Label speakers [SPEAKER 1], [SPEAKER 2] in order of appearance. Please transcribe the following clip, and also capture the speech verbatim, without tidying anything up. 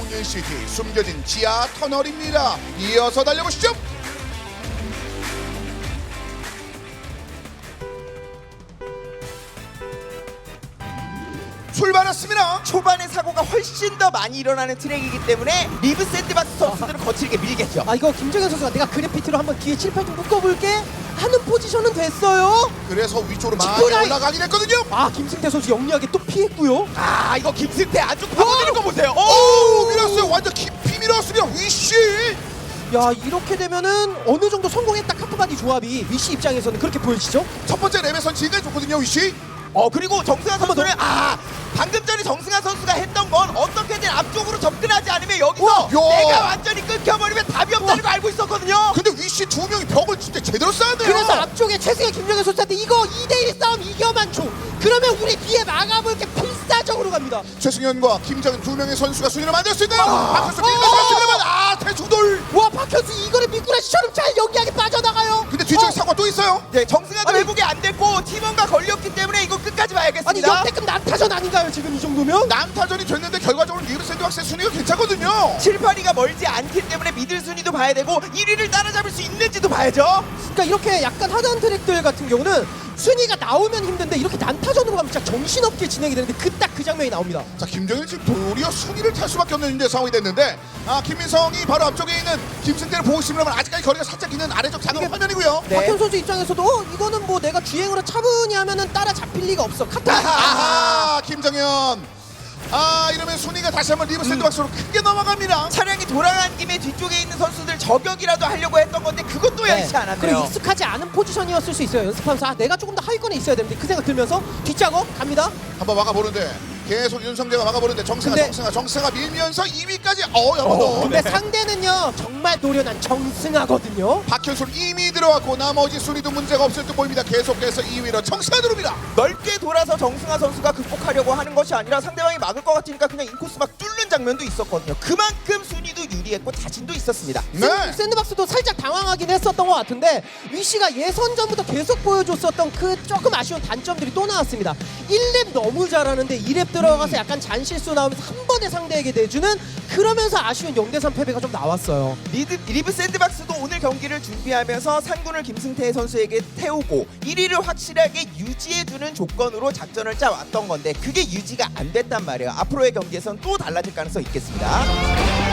[SPEAKER 1] 용인시티 숨겨진 지하 터널입니다. 이어서 달려보시죠. 출발했습니다.
[SPEAKER 2] 초반에 사고가 훨씬 더 많이 일어나는 트랙이기 때문에 리브 샌드박스 선수들은 거칠게 밀겠죠.
[SPEAKER 3] 아 이거 김정현 선수가 내가 그래피티로 한번 뒤에 칠팔 좀 묶어볼게 하는 포지션은 됐어요.
[SPEAKER 1] 그래서 위쪽으로 많이
[SPEAKER 3] 직구라인.
[SPEAKER 1] 올라가긴 했거든요.
[SPEAKER 3] 아 김승태 선수 영리하게 또 피했고요.
[SPEAKER 2] 아 이거 김승태 아주 파고드는 거 보세요.
[SPEAKER 1] 오, 밀었어요. 완전 깊이 밀었습니다. 위시.
[SPEAKER 3] 야 이렇게 되면은 어느 정도 성공했다 카프바디 조합이 위시 입장에서는 그렇게 보여지죠?
[SPEAKER 1] 첫 번째 랩에선 지금까지 좋거든요. 위시.
[SPEAKER 2] 어 그리고 정승환
[SPEAKER 3] 한번
[SPEAKER 2] 선수는 아 방금 전에 정승환 선수가 했던 건 어떻게든 앞쪽으로 접근하지 않으면 여기서
[SPEAKER 1] 와, 야.
[SPEAKER 2] 내가 완전히 끊겨버리면 답이 없다는 걸 알고 있었거든요.
[SPEAKER 1] 근데 위시 두 명이 벽을 진짜 제대로 쌓았네요.
[SPEAKER 3] 그래서 앞쪽에 최승현 김정현 선수한테 이거 이 대 일 싸움 이겨만 줘. 그러면 우리 뒤에 막아볼게 필사적으로 갑니다.
[SPEAKER 1] 최승현과 김정은 두 명의 선수가 순위를 만들 수 있나요?
[SPEAKER 3] 아.
[SPEAKER 1] 박현수
[SPEAKER 3] 어.
[SPEAKER 1] 밀면서 순위를 아 대중돌.
[SPEAKER 3] 와 박현수 이거를 미꾸라지처럼 잘 연기하게 빠져나가요.
[SPEAKER 1] 근데 뒤쪽에
[SPEAKER 3] 어.
[SPEAKER 1] 사고가 또 있어요.
[SPEAKER 2] 네 정승환도
[SPEAKER 3] 아니.
[SPEAKER 2] 회복이 안 됐고 팀원과 걸렸기 때문에 이거 끝까지
[SPEAKER 3] 아니
[SPEAKER 2] 봐야겠습니다.
[SPEAKER 3] 역대급 난타전 아닌가요 지금 이 정도면?
[SPEAKER 1] 남타전이 됐는데 결과적으로 리브 샌드박스의 순위가 괜찮거든요.
[SPEAKER 2] 칠, 팔 위가 멀지 않기 때문에 미들 순위도 봐야 되고 일 위를 따라잡을 수 있는지도 봐야죠.
[SPEAKER 3] 그러니까 이렇게 약간 하단 트랙들 같은 경우는 순위가 나오면 힘든데 이렇게 난타전으로 가면 진짜 정신없게 진행이 되는데 그 딱 그 장면이 나옵니다.
[SPEAKER 1] 자 김정일 지금 도리어 순위를 탈 수밖에 없는 이제 상황이 됐는데 아 김민성이 바로 앞쪽에 있는 김승태를 보고 있으면 아직까지 거리가 살짝 있는 아래쪽 작은
[SPEAKER 3] 이게-
[SPEAKER 1] 화면이고요.
[SPEAKER 2] 네.
[SPEAKER 3] 박현 선수 입장에서도 어, 이거는 뭐 내가 주행으로 차분히 하면은 따라 잡힐 리가 없어. 카타.
[SPEAKER 1] 아하 김정현. 아 이러면 순위가 다시 한번 리브 샌드박스로 크게 넘어갑니다.
[SPEAKER 2] 차량이 돌아간 김에 뒤쪽에 있는 선수들 저격이라도 하려고 했던 건데 그것도
[SPEAKER 3] 네.
[SPEAKER 2] 여의치
[SPEAKER 3] 그리고
[SPEAKER 2] 않았네요.
[SPEAKER 3] 익숙하지 않은 포지션이었을 수 있어요. 연습하면서 아, 내가 조금 더 하위권에 있어야 되는데 그 생각 들면서 뒷작업 갑니다.
[SPEAKER 1] 한번 막아보는데 계속 윤성재가 막아보는데 정승아
[SPEAKER 3] 근데-
[SPEAKER 1] 정승아 정승아 밀면서 이 위까지 어 여러분
[SPEAKER 3] 근데 상대는요 정말 노련한 정승하거든요.
[SPEAKER 1] 박현수 이미 들어왔고 나머지 순위도 문제가 없을 듯 보입니다. 계속해서 이 위로 정승아 들어옵니다.
[SPEAKER 2] 넓게 돌아서 정승아 선수가 극복하려고 하는 것이 아니라 상대방이 막을 것 같으니까 그냥 인코스 막 뚫는 장면도 있었거든요. 그만큼 순위도 유리했고 자신도 있었습니다.
[SPEAKER 1] 네.
[SPEAKER 3] 샌드박스도 살짝 당황하긴 했었던 것 같은데 위시가 예선전부터 계속 보여줬었던 그 조금 아쉬운 단점들이 또 나왔습니다. 일 렙 너무 잘하는데 이 렙 들어가서 약간 잔실수 나오면서 한 번에 상대에게 내주는 그러면서 아쉬운 영 대 삼 패배가 좀 나왔어요.
[SPEAKER 2] 리드, 리브 샌드박스도 오늘 경기를 준비하면서 상군을 김승태 선수에게 태우고 일 위를 확실하게 유지해주는 조건으로 작전을 짜왔던 건데 그게 유지가 안 됐단 말이에요. 앞으로의 경기에선 또 달라질 가능성이 있겠습니다.